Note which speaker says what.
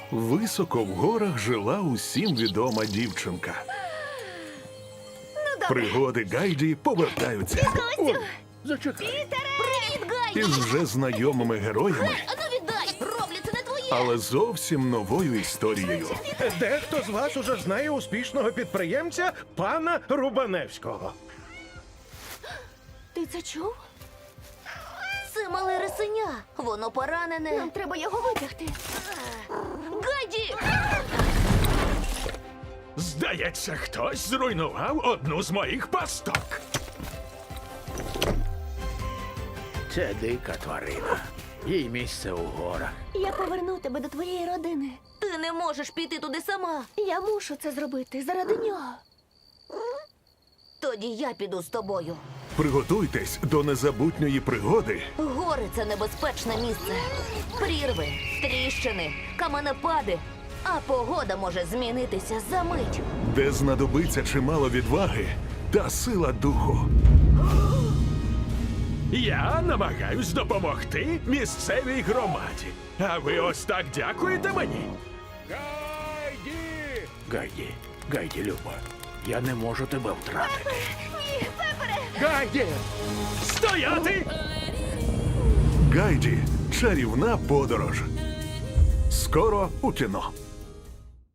Speaker 1: Високо в горах жила усім відома дівчинка. Пригоди Гайді повертаються
Speaker 2: Зачекай.
Speaker 3: Привіт, Гайді!
Speaker 1: із вже знайомими героями,
Speaker 3: Ану віддай! Роблі, це не твоє!
Speaker 1: але зовсім новою історією.
Speaker 2: Дехто з вас уже знає успішного підприємця пана Рубаневського.
Speaker 3: Ти це чув? Це мале рисеня. Воно поранене. Нам треба його витягти. Гайді!
Speaker 4: Здається, хтось зруйнував одну з моїх пасток.
Speaker 5: Це дика тварина. Їй місце у горах.
Speaker 3: Я поверну тебе до твоєї родини. Ти не можеш піти туди сама. Я мушу це зробити заради нього. Тоді я піду з тобою.
Speaker 1: Приготуйтесь до незабутньої пригоди,
Speaker 3: Гори – це небезпечне місце. Прірви, тріщини, каменепади. А погода може змінитися за мить.
Speaker 1: де знадобиться чимало відваги та сила духу.
Speaker 4: Я намагаюсь допомогти місцевій громаді. А ви ось так дякуєте мені?
Speaker 5: Гайді, Люба, я не можу тебе втратити.
Speaker 4: Гайді! Стояти!
Speaker 1: Гайді. Чарівна подорож. Скоро у кіно.